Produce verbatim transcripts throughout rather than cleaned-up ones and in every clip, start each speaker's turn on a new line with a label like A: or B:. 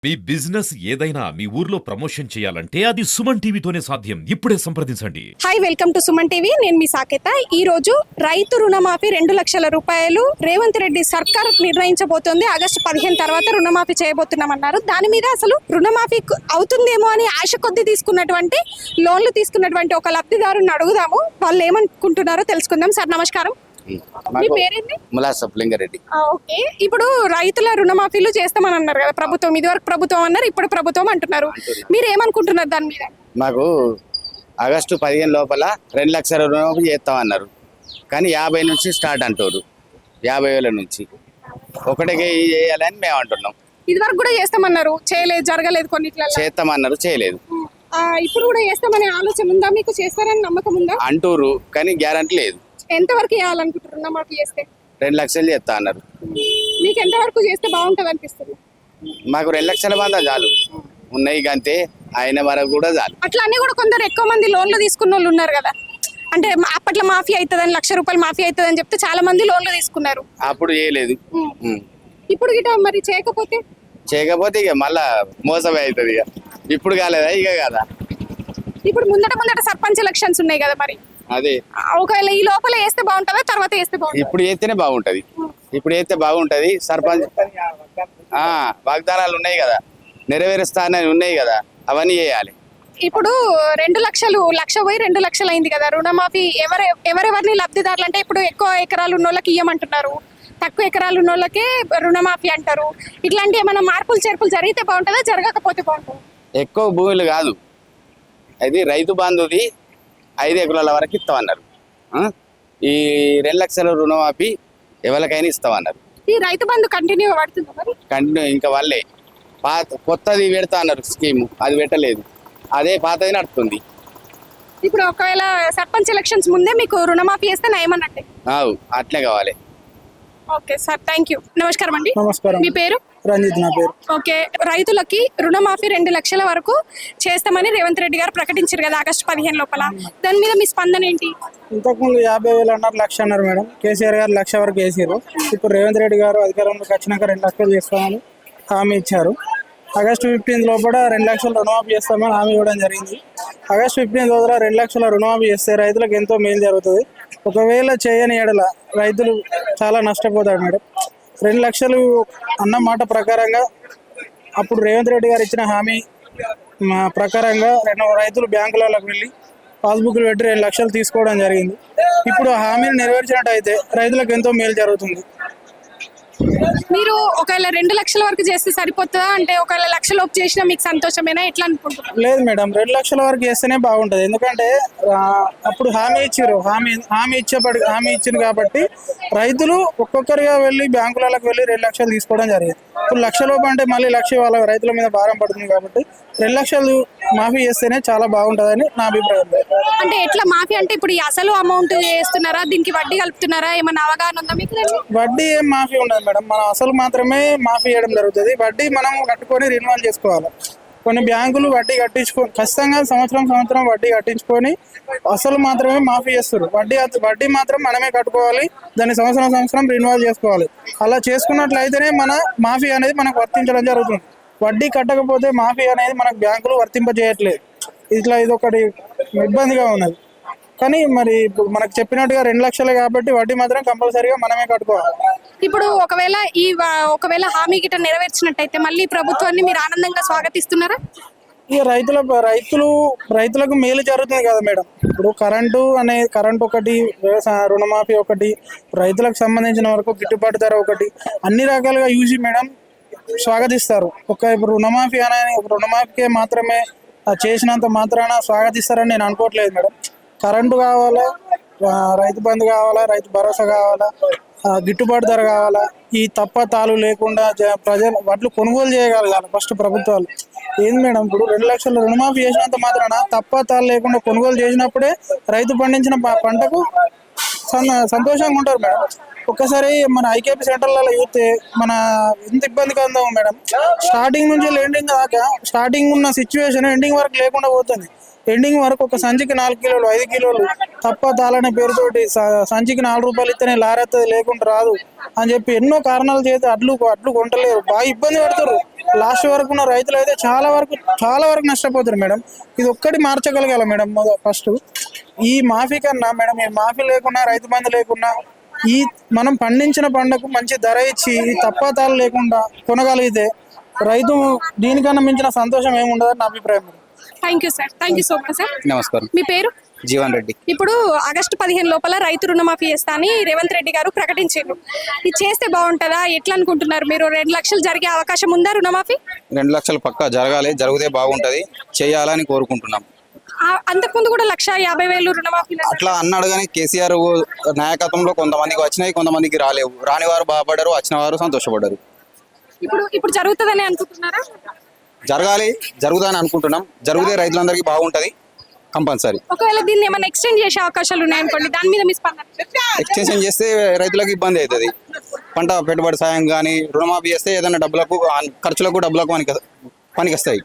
A: మీ business ఏదైనా మీ ఊర్లో promotion చేయాలంటే అది సుమన్ టీవీతోనే సాధ్యం. ఇప్పుడే సంప్రదించండి.
B: Hi, welcome to Suman TV. నేను మీ సాకేత. ఈ రోజు రైతు రుణమాఫీ రెండు లక్షల రూపాయలు రేవంత్ రెడ్డి సర్కార్ నిర్ణయించబోతోంది. ఆగస్టు పదిహేను తర్వాత రుణమాఫీ చేయబోతున్నామన్నారు. దాని మీద అసలు రుణమాఫీ అవుతుందేమో అని ఆశ కొద్ది తీసుకున్నటువంటి లోన్లు తీసుకున్నటువంటి ఒక లబ్ధిదారుని అడుగుదాము. వాళ్ళు ఏమనుకుంటున్నారో తెలుసుకుందాం. సార్ నమస్కారం. మీ పేరేంటి?
C: ములాసప్లింగారెడ్డి.
B: ఓకే, ఇప్పుడు రైతుల రుణమాఫీలు చేస్తామని అన్నారు కదా ప్రభుత్వం. ఇదివరకు ప్రభుత్వం అన్నారు, ఇప్పుడు ప్రభుత్వం అంటున్నారు. మీరు ఏమనుకుంటున్నారు దాని మీద?
C: మాకు ఆగస్టు పదిహేను లోపల రెండు లక్షల రుణమాఫీ చేస్తామన్నారు, కానీ యాభై నుంచి స్టార్ట్ అంటారు. యాభై వేల నుంచి ఒకటికి చేయాలని మేము అంటున్నాం.
B: ఇదివరకు కూడా చేస్తామన్నారు, చేయలేదు, జరగలేదు. కొన్నిట్లలో
C: చేస్తామన్నారు, చేయలేదు.
B: ఇప్పుడు కూడా చేస్తామనే ఆలోచన ఉందా మీకు? చేస్తారని నమ్మకం ఉందా?
C: అంటూరు, కానీ గ్యారంటీ లేదు.
B: ఎంత వరకు చేయాలనుకుంటారు రుణమాఫీ చేస్తే?
C: రెండు లక్షలు చేస్తా అన్నారు.
B: మీకు ఎంత వరకు చేస్తే బాగుంటది అనిపిస్తుంది?
C: మాకు రెండు లక్షల మంది చాలు ఉన్నాయి, అంతే. అయిన వరకు కూడా చాలు.
B: అట్లా అన్నీ కూడా కొందరు ఎక్కువ మంది లోన్లు తీసుకున్న వాళ్ళు ఉన్నారు కదా, అంటే అప్పట్లో మాఫీ అవుతుందని, లక్ష రూపాయలు మాఫీ అవుతుందని చెప్తే చాలా మంది లోన్లు తీసుకున్నారు.
C: అప్పుడు చేయలేదు.
B: ఇప్పుడు గిట మరి చేయకపోతే
C: చేయకపోతే ఇక మళ్ళా మోసమే అవుతుంది. ఇక ఇప్పుడు కాలేదా? ఇక కదా.
B: ఇప్పుడు ముందట ముందట సర్పంచ్ ఎలక్షన్స్ ఉన్నాయి కదా, మరి
C: అదే
B: ఒకవేళ ఈ లోపల వేస్తే బాగుంటుందా, తర్వాత వేస్తే బాగుంటుంది?
C: ఇప్పుడు వేస్తేనే బాగుంటది. ఇప్పుడు వేస్తే బాగుంటది. సర్పంచ్ ఆ వాగ్దానాలు ఉన్నాయి కదా, నెరవేరుస్తానని ఉన్నాయి కదా, అవన్నీ చేయాలి.
B: ఇప్పుడు రెండు లక్షలు లక్ష పోయి రెండు లక్షలు అయింది కదా రుణమాఫీ. ఎవరు ఎవరెవరిని లబ్ధిదారులు అంటే ఇప్పుడు ఎక్కువ ఎకరాలు ఉన్న వాళ్ళకి ఇయ్యమంటున్నారు, తక్కువ ఎకరాలు ఉన్న వాళ్ళకే రుణమాఫీ అంటారు. ఇట్లాంటి ఏమైనా మార్పులు చేర్పులు జరిగితే బాగుంటుందా, జరగకపోతే బాగుంటుంది?
C: ఎక్కువ భూములు కాదు, అది రైతు బంధుది ఐదు ఎకరాల వరకు ఇస్తామన్నారు. ఈ రెండు లక్షల రుణమాఫీ ఎవరికైనా ఇస్తామన్నారు.
B: ఈ రైతు బంధు కంటిన్యూ పడుతుందా మరి?
C: కంటిన్యూ ఇంకా వాళ్ళే పాత కొత్తది పెడతా అన్నారు స్కీము, అది పెట్టలేదు. అదే పాతది నడుస్తుంది.
B: ఇప్పుడు ఒకవేళ సర్పంచ్ ఎలక్షన్స్ ముందే మీకు రుణమాఫీ చేస్తే నయమన్నట్టే.
C: అవు అట్లే కావాలి.
B: Okay sir, thank you. నమస్కారం అండి.
D: నమస్కారం.
B: మీ పేరు?
D: రంజిత్ నా పేరు.
B: ఓకే, రైతులకి రుణమాఫీ రెండు లక్షల వరకు చేస్తామని రేవంత్ రెడ్డి గారు ప్రకటించారు కదా ఆగస్టు పదిహేను లోపల. దాని మీద మీ స్పందన ఏంటి?
D: ఇంతకుముందు యాభై వేలు అన్నారు, లక్ష అన్నారు మేడం. కేసీఆర్ గారు లక్ష వరకు వేసారు. ఇప్పుడు రేవంత్ రెడ్డి గారు అధికారంలోకి వచ్చినాక రెండు లక్షలు చేస్తామని హామీ ఇచ్చారు. ఆగస్టు ఫిఫ్టీన్త్ లోపల రెండు లక్షల రుణమాఫీ చేస్తామని హామీ ఇవ్వడం జరిగింది. ఆగస్టు ఫిఫ్టీన్త్ లోపల రెండు లక్షల రుణమాఫీ చేస్తే రైతులకు ఎంతో మేలు జరుగుతుంది. ఒకవేళ చేయని ఎడల రైతులు చాలా నష్టపోతారు మేడం. రెండు లక్షలు అన్న మాట ప్రకారంగా అప్పుడు రేవంత్ రెడ్డి గారు ఇచ్చిన హామీ ప్రకారంగా రెండు రైతులు బ్యాంకులకు వెళ్ళి పాస్బుక్లు పెట్టి రెండు లక్షలు తీసుకోవడం జరిగింది. ఇప్పుడు హామీని నెరవేర్చినట్టు అయితే రైతులకు ఎంతో మేలు జరుగుతుంది.
B: మీరు ఒకవేళ రెండు లక్షల వరకు చేస్తే సరిపోతుందా? అంటే ఒకవేళ లక్ష లోపు చేసినా మీకు సంతోషమేనా, ఎట్లా అనుకుంటున్నారు?
D: లేదు మేడం, రెండు లక్షల వరకు చేస్తేనే బాగుంటుంది. ఎందుకంటే అప్పుడు హామీ ఇచ్చారు, హామీ హామీ ఇచ్చేపడి హామీ ఇచ్చింది కాబట్టి రైతులు ఒక్కొక్కరిగా వెళ్ళి బ్యాంకులకు వెళ్ళి రెండు లక్షలు తీసుకోవడం జరిగింది. ఇప్పుడు లక్ష లోపు అంటే మళ్ళీ లక్ష వాళ్ళ రైతుల మీద భారం పడుతుంది కాబట్టి రెండు లక్షలు మాఫీ చేస్తేనే చాలా బాగుంటుందని నా అభిప్రాయం.
B: అంటే ఎట్లా మాఫీ అంటే ఇప్పుడు ఈ అసలు అమౌంట్ చేస్తున్నారా, దీనికి వడ్డీ కలుపుతున్నారా, ఏమన్నా అవగాహన ఉందా మీకు?
D: వడ్డీ ఏం మాఫీ ఉండదు మేడం, మనం అసలు మాత్రమే మాఫీ చేయడం జరుగుతుంది. వడ్డీ మనం కట్టుకొని రిన్యూవల్ చేసుకోవాలి. కొన్ని బ్యాంకులు వడ్డీ కట్టించుకో ఖచ్చితంగా సంవత్సరం సంవత్సరం వడ్డీ కట్టించుకొని అసలు మాత్రమే మాఫీ చేస్తారు. వడ్డీ వడ్డీ మాత్రం మనమే కట్టుకోవాలి, దాన్ని సంవత్సరం సంవత్సరం రిన్యూవల్ చేసుకోవాలి. అలా చేసుకున్నట్లయితేనే మన మాఫీ అనేది మనకు వర్తించడం జరుగుతుంది. వడ్డీ కట్టకపోతే మాఫీ అనేది మనకు బ్యాంకులు వర్తింపజేయట్లేదు. ఇట్లా ఇది ఒకటి ఇబ్బందిగా ఉన్నది. కానీ మరి మనకు చెప్పినట్టుగా రెండు లక్షలే కాబట్టి వడ్డీ మాత్రం కంపల్సరీగా మనమే కట్టుకోవాలి.
B: ఇప్పుడు ఒకవేళ ఈ ఒకవేళ హామీ గిట్ట నెరవేర్చినట్టయితే మళ్ళీ ప్రభుత్వాన్ని మీరు ఆనందంగా స్వాగతిస్తున్నారా?
D: ఇక రైతుల రైతులు రైతులకు మేలు జరుగుతుంది కదా మేడం. ఇప్పుడు కరెంటు అనే కరెంట్ ఒకటి, వ్యవసాయ రుణమాఫీ ఒకటి, రైతులకు సంబంధించిన వరకు గిట్టుబాటు ధర ఒకటి, అన్ని రకాలుగా యూజీ మేడం స్వాగతిస్తారు. ఒక ఇప్పుడు రుణమాఫీ అనే రుణమాఫీకే మాత్రమే చేసినంత మాత్రాన స్వాగతిస్తారని నేను అనుకోవట్లేదు మేడం. కరెంటు కావాలా, రైతు బంధు కావాలా, రైతు భరోసా కావాలా, గిట్టుబాటు ధర కావాలా, ఈ తప్ప తాలు లేకుండా ప్రజలు వడ్లు కొనుగోలు చేయగలగాలి ఫస్ట్ ప్రభుత్వాలు. ఏంది మేడం, ఇప్పుడు రెండు లక్షల రుణమాఫీ చేసినంత మాత్రాన తప్ప తాలు లేకుండా కొనుగోలు చేసినప్పుడే రైతు పండించిన పంటకు సంతోషంగా ఉంటారు మేడం. ఒక్కసారి మన ఐకేపీ సెంటర్లలో చూస్తే మన ఎంత ఇబ్బందిగా ఉందో మేడం. స్టార్టింగ్ నుంచి ఎండింగ్ దాకా స్టార్టింగ్ ఉన్న సిచ్యువేషన్ ఎండింగ్ వరకు లేకుండా పోతుంది. ఎండింగ్ వరకు ఒక సంచికి నాలుగు కిలోలు ఐదు కిలోలు తప్ప తాళనే పేరుతోటి స- సంచికి నాలుగు రూపాయలు ఇస్తేనే లారెత్తది లేకుండా రాదు అని చెప్పి ఎన్నో కారణాలు చేస్తే అడ్లు అడ్లు కొంటలేరు, బాగా ఇబ్బంది పడతారు. లాస్ట్ వరకు ఉన్న రైతులు అయితే చాలా వరకు చాలా వరకు నష్టపోతారు మేడం. ఇది ఒక్కటి మార్చగలగాలి మేడం. మొద ఫస్ట్ ఈ మాఫీ కన్నా మేడం, ఈ మాఫీ లేకున్నా రైతు బంధు లేకున్నా ఈ మనం పండించిన పంటకు మంచి ధర ఇచ్చి ఈ తప్పాతాలు లేకుండా కొనగలిగితే రైతు దీనికన్నా మించిన సంతోషం ఏముండదని నా అభిప్రాయం madam.
B: Thank you sir, thank you so much sir.
C: నమస్కారం.
B: మీ పేరు?
C: జీవన్ రెడ్డి.
B: ఇప్పుడు ఆగస్టు పదిహేను లోపల రైతు రుణమాఫీ చేస్తా అని రేవంత్ రెడ్డి గారు ప్రకటించారు. ఇది చేస్తే బాగుంటుందా, ఎట్లా అనుకుంటున్నారు మీరు? రెండు లక్షలు జరిగే అవకాశం ఉందా రుణమాఫీ?
E: రెండు లక్షలు పక్కా జరగాలి, జరిగితే బాగుంటది, చేయాలని కోరుకుంటున్నాం.
B: ఆ- అంతకుముందు కూడా లక్ష యాభై వేలు రుణమాఫీ
E: అట్లా అన్నాడు కానీ కేసీఆర్ నాయకత్వంలో కొంతమందికి వచ్చినాయి, కొంతమందికి రాలేవు. రాని వారు బాధపడ్డారు, వచ్చిన వారు సంతోషపడ్డారు.
B: ఇప్పుడు ఇప్పుడు జరుగుతుందని అనుకుంటున్నారా?
E: జరగాలి, జరుగుదని అనుకుంటున్నాం. జరిగితే రైతులందరికీ బాగుంటది కంపల్సరీ.
B: ఒకవేళ దీన్ని ఏమైనా ఎక్స్టెండ్ చేసే అవకాశాలు ఉన్నాయనుకోండి, దాని మీద మీ స్పందన?
E: ఎక్స్టెన్షన్ చేస్తే రైతులకు ఇబ్బంది అవుతుంది. పంట పెట్టుబడి సాయం కానీ రుణమాఫీ చేస్తే ఏదైనా డబ్బులకు ఖర్చులకు డబ్బులకు పనికి పనికి వస్తాయి.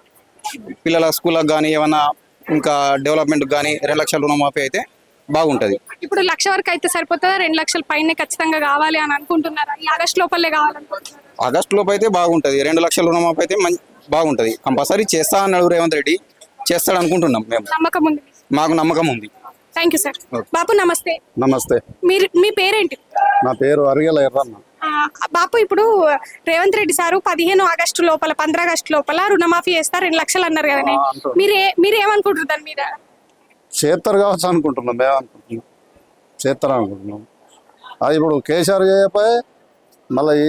E: పిల్లల స్కూళ్ళకు కానీ ఏమన్నా ఇంకా డెవలప్మెంట్కి కానీ రెండు లక్షల రుణమాఫీ అయితే బాగుంటది.
B: ఇప్పుడు లక్ష వరకు అయితే సరిపోతుందా? రెండు లక్షల పైన ఖచ్చితంగా కావాలి అని అనుకుంటున్నారా? ఈ ఆగస్టు లోపలే కావాలనుకుంటున్నారా?
E: ఆగస్టు లోపు అయితే బాగుంటది. రెండు లక్షల రుణమాఫీ అయితే మంచి బాగుంటది. కంపల్సరీ చేస్తా అన్నాడు రేవంత్ రెడ్డి, చేస్తాడు అనుకుంటున్నాం మేము.
B: నమ్మకం ఉంది?
E: మాకు నమ్మకం ఉంది.
B: Thank you sir. బాపు నమస్తే.
F: నమస్తే,
B: మీరు మీ పేరేంటి?
F: నా పేరు అరిగెల ఎర్రన్న.
B: ఆ, బాపు ఇప్పుడు రేవంత్ రెడ్డి సారు పదిహేను ఆగస్టు లోపల పంద్ర ఆగస్టు లోపల రుణమాఫీ చేస్తారు రెండు లక్షలు అన్నారు కదండి. మీరే మీరు ఏమనుకుంటారు దాని మీద?
F: చేస్తారు కావచ్చు అనుకుంటున్నాం, మేము అనుకుంటున్నాం చేస్తారు అనుకుంటున్నాం. అది ఇప్పుడు కేసీఆర్ చేయకపోయి మళ్ళీ ఈ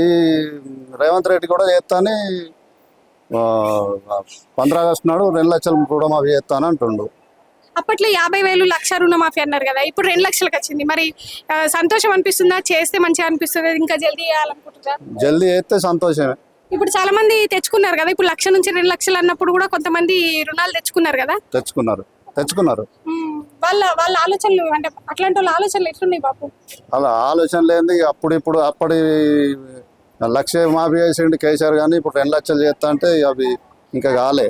F: రేవంత్ రెడ్డి కూడా చేస్తాని పంద్ర ఆగస్టు నాడు రెండు లక్షలు కూడా మాఫీ చేస్తాను అంటుండు.
B: అప్పట్లో యాభై వేలు లక్ష రుణమాఫీ అన్నారు కదా, ఇప్పుడు రెండు లక్షలకు వచ్చింది. మరి ఆ, సంతోషం అనిపిస్తుందా? చేస్తే మంచిగా అనిపిస్తుంది, ఇంకా జల్దీ చేయాలనుకుంటున్నారు?
F: జల్దీ చేస్తే సంతోషమే.
B: ఇప్పుడు చాలా మంది తెచ్చుకున్నారు కదా, ఇప్పుడు లక్ష నుంచి రెండు లక్షలు అన్నప్పుడు కూడా కొంతమంది రుణాలు తెచ్చుకున్నారు కదా.
F: తెచ్చుకున్నారు తెచ్చుకున్నారు
B: ఉమ్, వాళ్ళ వాళ్ళ ఆలోచనలు అంటే అట్లాంటి వాళ్ళ ఆలోచనలు ఎట్లున్నాయి బాపు?
F: అలా ఆలోచన లేనిది అప్పుడు ఇప్పుడు అప్పటి లక్ష మాఫీ చేసిండు కేసీఆర్, కానీ ఇప్పుడు రెండు లక్షలు చేస్తా అంటే అవి ఇంకా కాలే.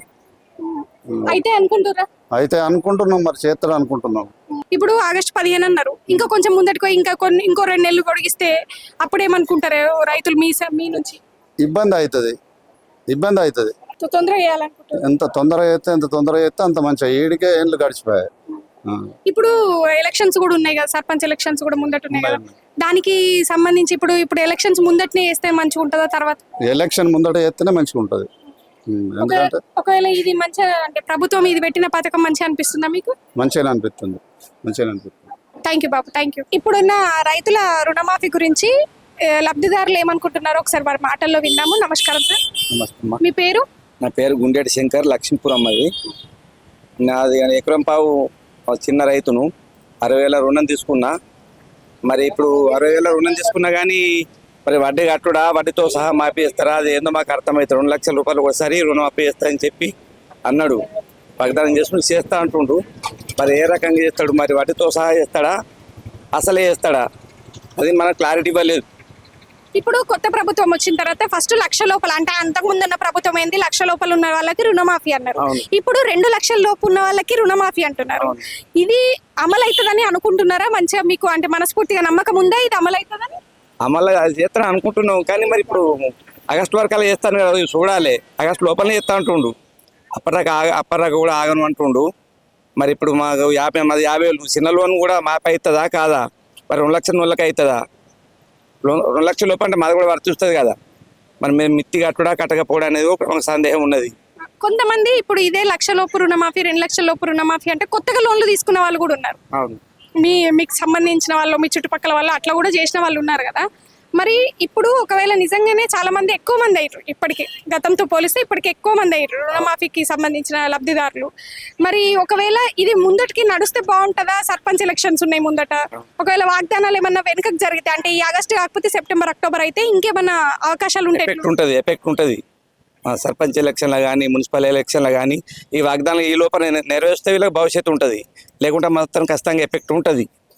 B: అయితే అనుకుంటురా?
F: అయితే అనుకుంటున్నాం, మరి చేస్తాడు అనుకుంటున్నాం.
B: ఇప్పుడు ఆగస్టు పదిహేను అన్నారు, ఇంకా కొంచెం ముందటికో ఇంకా కొన్ని ఇంకో రెండు నెలలు పొడిగిస్తే అప్పుడేమనుకుంటారు రైతులు మీ స- మీ నుంచి?
F: ఇబ్బంది అవుతుంది, ఇబ్బంది అవుతుంది.
B: తొ- తొందరగా చేయాలనుకుంటారు.
F: ఎంత తొందరగా చేస్తే ఎంత తొందరగా చేస్తే అంత మంచిగా. ఏడికే ఏళ్ళు గడిచిపోయాయి. ఆ.
B: ఇప్పుడు ఎలక్షన్స్ కూడా ఉన్నాయి కదా, సర్పంచ్ ఎలక్షన్స్ కూడా ముందట ఉన్నాయి కదా, దానికి సంబంధించి ఇప్పుడు ఇప్పుడు ఎలక్షన్స్ ముందటనే వేస్తే మంచిగా ఉంటుందా తర్వాత?
F: ఎలక్షన్ ముందట చేస్తేనే మంచిగా ఉంటుంది. ఉమ్, ఎందుకంటే
B: ఒకవేళ ఇది మంచిగా అంటే ప్రభుత్వం ఇది పెట్టిన పథకం మంచిగా అనిపిస్తుందా మీకు?
F: మంచిగా అనిపిస్తుంది, మంచిగా అనిపిస్తుంది.
B: థ్యాంక్ యూ బాబు, థ్యాంక్ యూ. ఇప్పుడున్న రైతుల రుణమాఫీ గురించి ఏ, లబ్ధిదారులు ఏమనుకుంటున్నారో ఒకసారి వారి మాటల్లో విన్నాము. నమస్కారం సార్,
E: నమస్తే అమ్మా.
B: మీ పేరు?
E: నా పేరు గుండెటి శంకర్, లక్ష్మీపురం. అది నాది ఎకరం పావు చిన్న రైతును. అరవై వేల రుణం తీసుకున్నా. మరి ఇప్పుడు అరవై వేల రుణం తీసుకున్నా కానీ మరి వడ్డీ కట్టుడా, వడ్డీతో సహా మాఫీ చేస్తారా, అది ఏందో మాకు అర్థమవుతుంది. రెండు లక్షల రూపాయలు ఒకసారి రుణం మాఫీ చేస్తా అని చెప్పి అన్నాడు. వాగ్దానం చేసుకుని చేస్తా అంటుండు. మరి ఏ రకంగా చేస్తాడు? మరి వడ్డీతో సహా చేస్తాడా, అసలే చేస్తాడా? అది మనకు క్లారిటీ ఇవ్వలేదు.
B: ఇప్పుడు కొత్త ప్రభుత్వం వచ్చిన తర్వాత ఫస్ట్ లక్ష లోపల అంటే అంతకు ముందున్న ప్రభుత్వం ఏంది, లక్ష లోపల ఉన్న వాళ్ళకి రుణమాఫీ అన్నారు.
E: అవును.
B: ఇప్పుడు రెండు లక్షల లోపు ఉన్న వాళ్ళకి రుణమాఫీ అంటున్నారు. ఇది అమలు అవుతుందని అనుకుంటున్నారా? మంచిగా మీకు అంటే మనస్ఫూర్తిగా నమ్మకం ఉందా ఇది అమలు అవుతుందని?
E: అమలు అది చేస్తాను అనుకుంటున్నాం. కానీ మరి ఇప్పుడు ఆగస్టు వరకు అలా చేస్తాను కదా, అది చూడాలి. ఆగస్టు లోపలనే చేస్తా అంటుండు. అప్పటిదాకా ఆగ అప్పటిదాకా కూడా ఆగను అంటుండు. మరి ఇప్పుడు మాకు యాభై మాది యాభై వేలు చిన్న లోన్ కూడా మాపై అవుతుందా కాదా? మరి రెండు లక్షల వాళ్ళకి అవుతుందా? లోన్ రెండు లక్షల లోపు అంటే మాది కూడా వర్తిస్తుంది కదా. మరి మేము మిత్తి కట్టుడా కట్టకపోవడం అనేది ఒక సందేహం ఉన్నది.
B: కొంతమంది ఇప్పుడు ఇదే లక్ష లోపు రుణమాఫీ రెండు లక్షల లోపు రుణమాఫీ అంటే కొత్తగా లోన్లు తీసుకున్న వాళ్ళు కూడా ఉన్నారు.
E: అవును.
B: మీ మీకు సంబంధించిన వాళ్ళు మీ చుట్టుపక్కల వాళ్ళు అట్లా కూడా చేసిన వాళ్ళు ఉన్నారు కదా. మరి ఇప్పుడు ఒకవేళ నిజంగానే చాలా మంది ఎక్కువ మంది అయ్యారు, ఇప్పటికి గతంతో పోలిస్తే ఇప్పటికి ఎక్కువ మంది అయ్యారు రుణమాఫీకి సంబంధించిన లబ్ధిదారులు. మరి ఒకవేళ ఇది ముందటికి నడిస్తే బాగుంటుందా? సర్పంచ్ ఎలక్షన్స్ ఉన్నాయి ముందట, ఒకవేళ వాగ్దానాలు ఏమన్నా వెనుకకు జరిగితే అంటే ఈ ఆగస్టు కాకపోతే సెప్టెంబర్ అక్టోబర్ అయితే ఇంకేమన్నా అవకాశాలు ఉంటాయి?
E: ఎఫెక్ట్ ఉంటుంది, ఎఫెక్ట్ ఉంటుంది. సర్పంచ్ ఎలక్షన్లో కానీ మున్సిపల్ ఎలక్షన్లో కానీ ఈ వాగ్దానం ఈ లోపల నెరవేర్స్తే వీళ్ళకి భవిష్యత్తు ఉంటుంది. లేకుంటే మాత్రం ఖచ్చితంగా ఎఫెక్ట్ ఉంటుంది.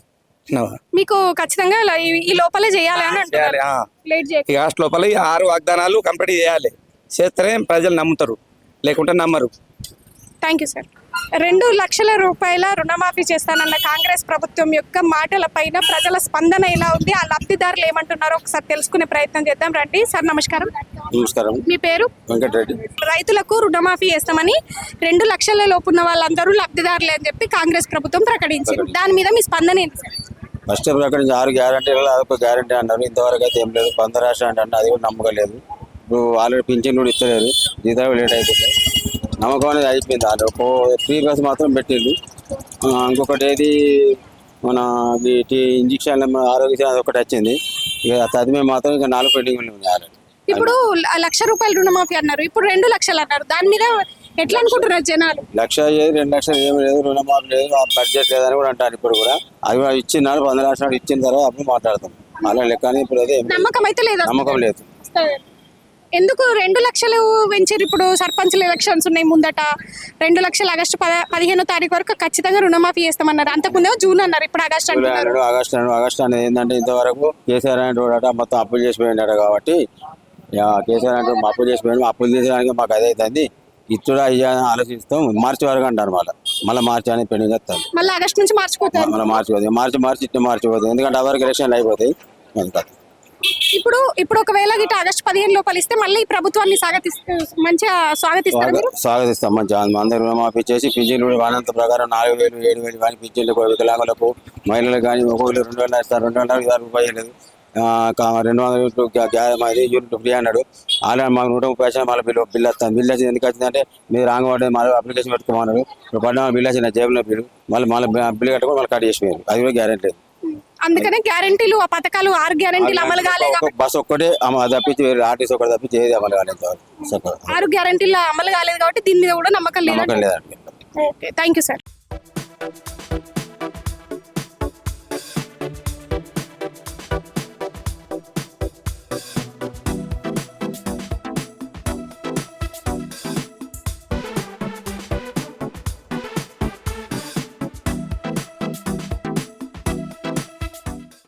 B: మీకు ఖచ్చితంగా ఇలా ఈ- ఈ లోపలే చేయాలి అని అంటున్నారు
E: చేయాలి ఆ.
B: లేట్ చేయ
E: ఈ ఆగస్టు లోపల ఈ ఆరు వాగ్దానాలు కంప్లీట్ చేయాలి. చేస్తేనే ప్రజలు నమ్ముతారు, లేకుంటే నమ్మరు.
B: Thank you sir. రెండు లక్షల రూపాయల రుణమాఫీ చేస్తానన్న కాంగ్రెస్ ప్రభుత్వం యొక్క మాటల పైన ప్రజల స్పందన ఎలా ఉంది, ఆ లబ్ధిదారులు ఏమంటున్నారో ఒకసారి తెలుసుకునే ప్రయత్నం చేద్దాం రండి. సార్ నమస్కారం.
C: నమస్కారం.
B: మీ పేరు?
C: వెంకటరెడ్డి.
B: రైతులకు రుణమాఫీ చేస్తామని రెండు లక్షల లోపు ఉన్న వాళ్ళందరూ లబ్ధిదారులే అని చెప్పి కాంగ్రెస్ ప్రభుత్వం ప్రకటించింది. దాని మీద మీ స్పందన ఏంటి సార్?
C: ఫస్ట్ ప్రకటించి ఆరు గ్యారంటీలలో అదొక గ్యారంటీ అన్నారు. ఇంతవరకు అయితే ఏం లేదు. పంద రాష్ట్రం అంటే అది కూడా నమ్మకం లేదు. ఇప్పుడు ఆల్రెడీ పింఛన్ కూడా ఇస్తలేరు, జీతాలు లేట్ అవుతుంది. నమ్మకం అనేది అయిపోయింది. అది ఒక ఫ్రీ బస్ మాత్రం పెట్టింది. ఆ, ఇంకొకటి ఏది మన వీటి ఇంజక్షన్ ఆరోగ్యశ్రీ అది ఒకటి వచ్చింది. ఇక తదిమే మాత్రం ఇక నాలుగు పెండింగ్ ఉన్నాయి ఆల్రెడీ.
B: ఇప్పుడు ల- లక్ష రూపాయల రుణమాఫీ అన్నారు, ఇప్పుడు రెండు లక్షలు అన్నారు. దాని మీద ఎట్లా అనుకుంటున్నారు జనాలు?
C: లక్ష అయ్యేది రెండు లక్షలు ఏమి లేదు, రుణమాఫీ లేదు, ఆ బడ్జెట్ లేదని కూడా అంటారు. ఇప్పుడు కూడా అది కూడా ఇచ్చినారు, వంద లక్షలు ఇచ్చిన తర్వాత అప్పుడు మాట్లాడతాం. అలా లెక్క అని ఇప్పుడు అదే ఏం లేదు.
B: నమ్మకం అయితే లేదా?
C: నమ్మకం లేదు.
B: ఎందుకు రెండు లక్షలు పెంచారు? ఇప్పుడు సర్పంచ్ల ఎలక్షన్స్ ఉన్నాయి ముందట. రెండు లక్షలు ఆగస్టు పద పదిహేనో తారీఖు వరకు ఖచ్చితంగా రుణమాఫీ చేస్తామన్నారు. అంతకుముందే జూన్ అన్నారు, ఇప్పుడు ఆగస్టు
C: జూలై
B: అంటున్నారు.
C: అన్నాడు, ఆగస్టు అన్నాడు. ఆగస్టు అనేది ఏంటంటే ఇంతవరకు కేసీఆర్ అంటే మొత్తం అప్పులు చేసిపోయినాడు కాబట్టి ఇక కేసీఆర్ అంటే అప్పులు చేసిపోయాడు, అప్పులు తీసేయడానికి మాకు అదే అవుతుంది. ఇచ్చుడా ఇయ్యాలని ఆలోచిస్తాం. మార్చి వరకు అంటారు. మళ్ళీ మళ్ళీ మార్చి అనేది పెండింగ్ వస్తుంది.
B: మళ్ళీ ఆగస్టు నుంచి మార్చిపోతారు.
C: మళ్ళీ మార్చి పోతుంది, మార్చి మార్చి ఇట్లా మార్చిపోతుంది. ఎందుకంటే అవరకు ఎలక్షన్లు అయిపోతాయి. అది కాదు.
B: ఇప్పుడు ఇప్పుడు ఒకవేళ గిట్ట ఆగస్టు పదిహేను లోపల ఇస్తే మళ్ళీ ఈ ప్రభుత్వాన్ని స్వాగతిస్తూ మంచిగా స్వాగతిస్తారు మీరు?
C: స్వాగతిస్తాం. మంచిగా అందరూ రుణమాఫీ చేసి పింఛన్లు కూడా వానంత ప్రకారం నాలుగు వేలు ఏడు వేలు కానీ పింఛన్లు వికలాంగులకు మహిళలకు కానీ ఒక్కొక్కరు రెండు వేల ఇస్తారు. రెండు వందల ఇరవై రూపాయలు లేదు. రెండు వందల యూనిట్లు అది యూనిట్ ఫ్రీ అన్నాడు. ఆల్రెడీ మాకు నూట ముప్పై వచ్చిన మళ్ళీ బిల్లు బిల్లు వస్తాను. బిల్లు వచ్చింది ఎందుకు వచ్చిందంటే మీరు రాంగ్ పడ్డది, మళ్ళీ అప్లికేషన్ పెట్టుకోమన్నారు. ఇప్పుడు పడ్డ బిల్లు వచ్చిన జేబులో బిల్లు మళ్ళీ మళ్ళీ బిల్లు కట్టుకొని మళ్ళీ కట్ చేసిపోయారు. అది కూడా గ్యారెంటీ లేదు.
B: అందుకనే గ్యారెంటీలు ఆ పథకాలు ఆరు గ్యారెంటీలు అమలు కాలేదు.
C: బస్ ఒక్కటే అమ- అది తప్పించి వేరే ఆర్టీసీ ఒకటి తప్పించి ఏది అమలు కాలేదు.
B: ఆరు గ్యారెంటీలు అమలు కాలేదు కాబట్టి దీని మీద కూడా నమ్మకం లేదు.
C: నమ్మకం లేదండి.
B: Okay, thank you sir.